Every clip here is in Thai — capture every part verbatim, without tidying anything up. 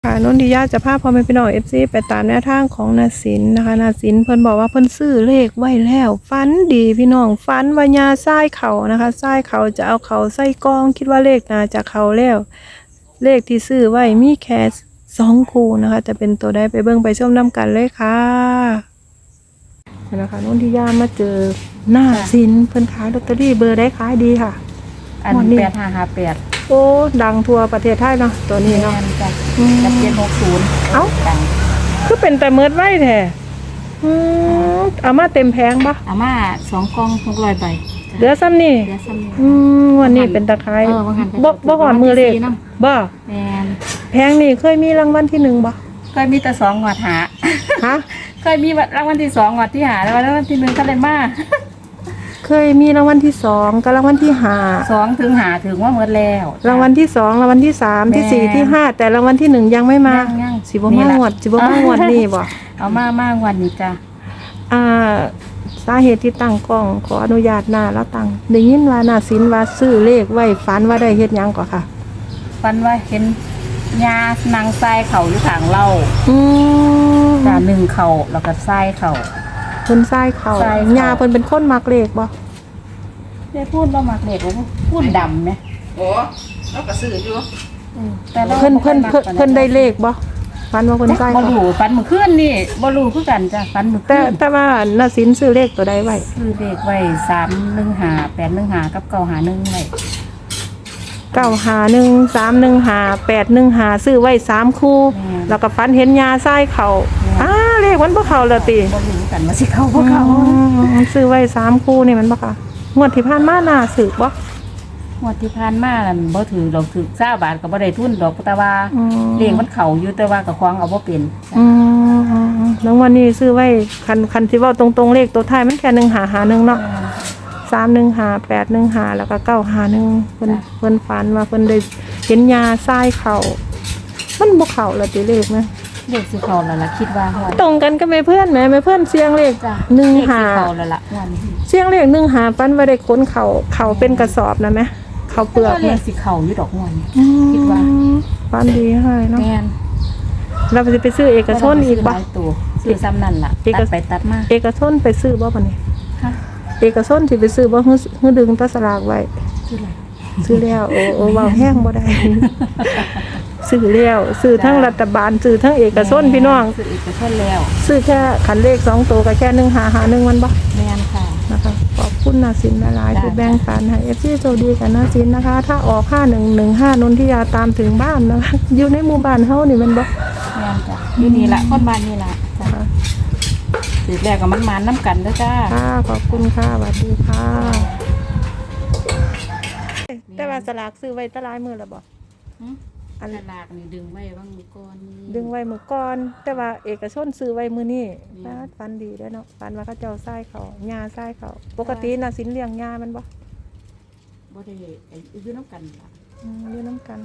ค่ะนนทิยาจะพาพ่อแม่พี่น้องเอฟซีไปตามแนวทางของนาสินนะคะนาสินเพิ่นบอกว่าเพิ่นซื้อเลขไว้แล้วฝันดีพี่น้องฝันว่ายาทรายเขานะคะทรายเขาจะเอาเขาใส่กองคิดว่าเลขน่าจะเขาแล้วเลขที่ซื้อไว้มีแค่สองคู่นะคะจะเป็นตัวใดไปเบิ่งไปชมน้ำกันเลยค่ะนะคะนนทิยามาเจอหน้าสินเพิ่นขายลอตเตอรี่เบอร์ได้ขายดีค่ะอันแปดห้าห้าแปดโอ้ดังทั่วประเทศไทยเนาะตัวนี้เนาะกับเจ็ดหกศูนย์เอ้าดังคือเป็นแต่เมิดไว้แท้อืมเอามาเต็มแพงปะอาม่าสองกล่องหกร้อยใบเหลือซ้ำนี่เหลือซ้ำนี่อืมวันนี้เป็นตะไคร้เออบ่หันบ่บ่ก่อนมือเลขบ่แมนแพงนี่เคยมีรางวัลที่หนึ่งบ่เคยมีแต่สองงวดหาฮะเคยมีรางวัลที่สองงวดที่หาแล้วรางวัลที่หนึ่งก็เลยมาเคยมีรางวัลที่สองกับรางวัลที่ห้าสองถึงหาถึงว่าหมดแล้วรางวัลที่สองรางวัลที่สามที่สี่ที่ห้าแต่รางวัลที่หนึ่งยังไม่มาสิบ่มางวดสิบ่มางวดนี่บ่เอามามางวดนี้จ้ะอ่าสาเหตุที่ตั้งกล้องขออนุญาตหน้าแล้วตั้งได้ยินว่านาสินว่าซื้อเลขไว้ฝันว่าได้เฮ็ดหยังก่อค่ะฝันว่าเห็นยานางทรายเข่าอยู่ข้างเราอืมจ้ะหนึ่งเข่าแล้วก็ทรายเข่าเพิ่นทรายเข่าย่าเพิ่นเป็นคนมักเลขบ่ได้พูดว่ามักเลขบ่พูดดำมั้ยโอ้เราก็ซื้ออยู่แต่เพิ่นเพิ่นเพิ่นได้เลขบ่ฝันว่าเพิ่นทรายบ่รู้ฝันเมื่อคืนนี่บ่รู้คือกันจ้ะฝันเมื่อคืนแต่แต่ว่านาสินซื้อเลขตัวใดไว้ซื้อเลขไว้สามหนึ่งห้า แปดหนึ่งห้ากับเก้าห้าหนึ่งไว้เก้าห้าหนึ่ง สามหนึ่งห้า แปดหนึ่งห้าซื้อไว้สามคู่แล้วก็ฝันเห็นยาทรายเข้าอ้าเลขมันบ่เข้าแล้วติบ่รู้กันว่าสิเข้าบ่เข้าซื้อไว้สามคู่นี่มันบ่ค่ะงวดที่ผ่านมาน่าซื้อบ่งวดที่ผ่านมานั่นบ่ถือดอกถือเก้าบาทก็บ่ได้ทุนดอกแต่ว่าเลขมันเข้าอยู่แต่ว่าก็ควางเอาบ่เป็นอืมแล้ววันนี้ซื้อไว้คันคันที่เว้าตรงๆเลขตัวท้ายมันแค่หนึ่งห้าห้าหนึ่งเนาะสามหนึ่งห้า แปดหนึ่งห้าแล้วก็เก้าห้าหนึ่งเพิ่นเพิ่นฝันว่าเพิ่นได้เห็นยาทรายเข้ามันบ่เข้าแล้วติเลขนะเลขสิเข้าแล้วล่ะคิดว่าตรงกันกับแม่เพื่อนแม่แม่เพื่อนเสียงเลขจ้ะหนึ่งห้าเข้าแล้วล่ะวันนี้เสียงเลขหนึ่งห้าฝันว่าได้ขนเข้าเข้าเป็นกระสอบนะแม่เข้าเปลือกเลขสิเข้าอยู่ดอกงวดนี้คิดว่าฝันดีให้เนาะแม่นเราจะไปซื้อเอกชนอีกบ่ซื้อซ้ำนั่นล่ะตัดไปตัดมาเอกชนไปซื้อบ่บัดนี้ฮะเอกชนสิไปซื้อบ่ฮึฮึดึงตะสลากไว้ซื้อแล้วซื้อแล้วโอ้โอ้เว้าแห้งบ่ได้ซื้อแล้วซื้อทั้งรัฐบาลซื้อทั้งเอกชนพี่น้องซื้อเอกชนแล้วซื้อแค่คันเลขสองตัวก็แค่หนึ่งห้าห้าหนึ่งมันบ่แม่นค่ะนะคะขอบคุณนาสินหลายๆที่แบ่งปันให้ เอฟ ซี โชคดีกันนาสินนะคะถ้าออกห้าหนึ่งหนึ่งห้านนทิยาตามถึงบ้านนะคะอยู่ในหมู่บ้านเฮานี่มันบ่แม่นจ้ะอยู่นี่ล่ะคนบ้านนี่ล่ะจ้ะสิแรกก็มันมานำกันเด้อจ้าค่ะขอบคุณค่ะสวัสดีค่ะแต่ว่าสลากซื้อไว้ตะลายมื้อแล้วบ่อันสลากนี่ดึงไว้วางมื้อก่อนดึงไว้มื้อก่อนแต่ว่าเอกชนซื้อไว้มื้อนี้ฟันดีเด้อเนาะฟันว่าเขาเจ้าทรายเขาหญ้าทรายเขาปกติน่ะสินเลี้ยงหญ้ามันบ่บ่ได้อยู่นำกันล่ะอืออยู่นำกัน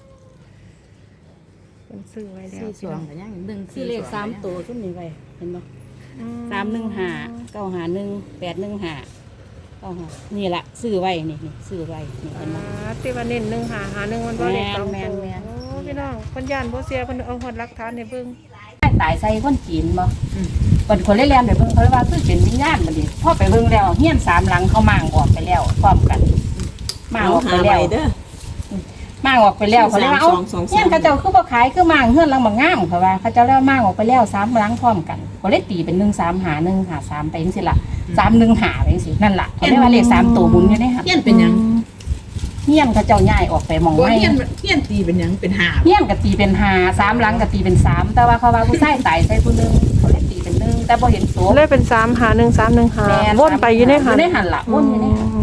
เป็นซื้อไว้แล้วสี่สองก็ยังหนึ่งสี่เลขสามตัวซุ่มนี้ไว้เห็นบ่สามหนึ่งห้า เก้าห้าหนึ่ง แปดหนึ่งห้าเก้าห้านี่ล่ะซื้อไว้นี่นี่ซื้อไว้นี่เห็นบ่ที่ว่าเน้นหนึ่งห้าห้าหนึ่งมันบ่เลขสองตัวโอ้พี่น้องเพิ่นย่านบ่เสียเพิ่นเอาฮอดหลักฐานให้เบิ่งตายใส่คนจีนบ่เพิ่นคนเล่นๆไปเบิ่งเขาว่าคือเป็นวิญญาณบัดนี้พอไปเบิ่งแล้วเฮียนสามหลังเขามางออกไปแล้วพร้อมกันมางออกไปแล้วเด้อมางออกไปแล้วเขาเลยว่าเอ้าเฮียนเขาเจ้าคือบ่ขายคือมางเฮือนหลังบ่งามเขาว่าเขาเจ้าแล้วมางออกไปแล้วสามหลังพร้อมกันก็เลยตีเป็นหนึ่งสามห้าหนึ่งห้าสามไปจังซี่ล่ะสามหนึ่งห้าไปจังซี่นั่นล่ะเขาเรียกว่าเลขสามตัวหมุนอยู่ในหั่นเฮียนเป็นหยังเฮียนเขาเจ้าย้ายออกไปมองไว้เฮียนเฮียนตีเป็นหยังเป็นห้าเฮียนก็ตีเป็นห้าสามหลังก็ตีเป็นสามแต่ว่าเขาว่าผู้ชายตายใส่ผู้นึงเขาเลยตีเป็นหนึ่งแต่บ่เห็นตัวเลยเป็นสามห้าหนึ่ง สามหนึ่งห้าวนไปอยู่ในหั่นอยู่ในหั่นล่ะวนอยู่ในหั่น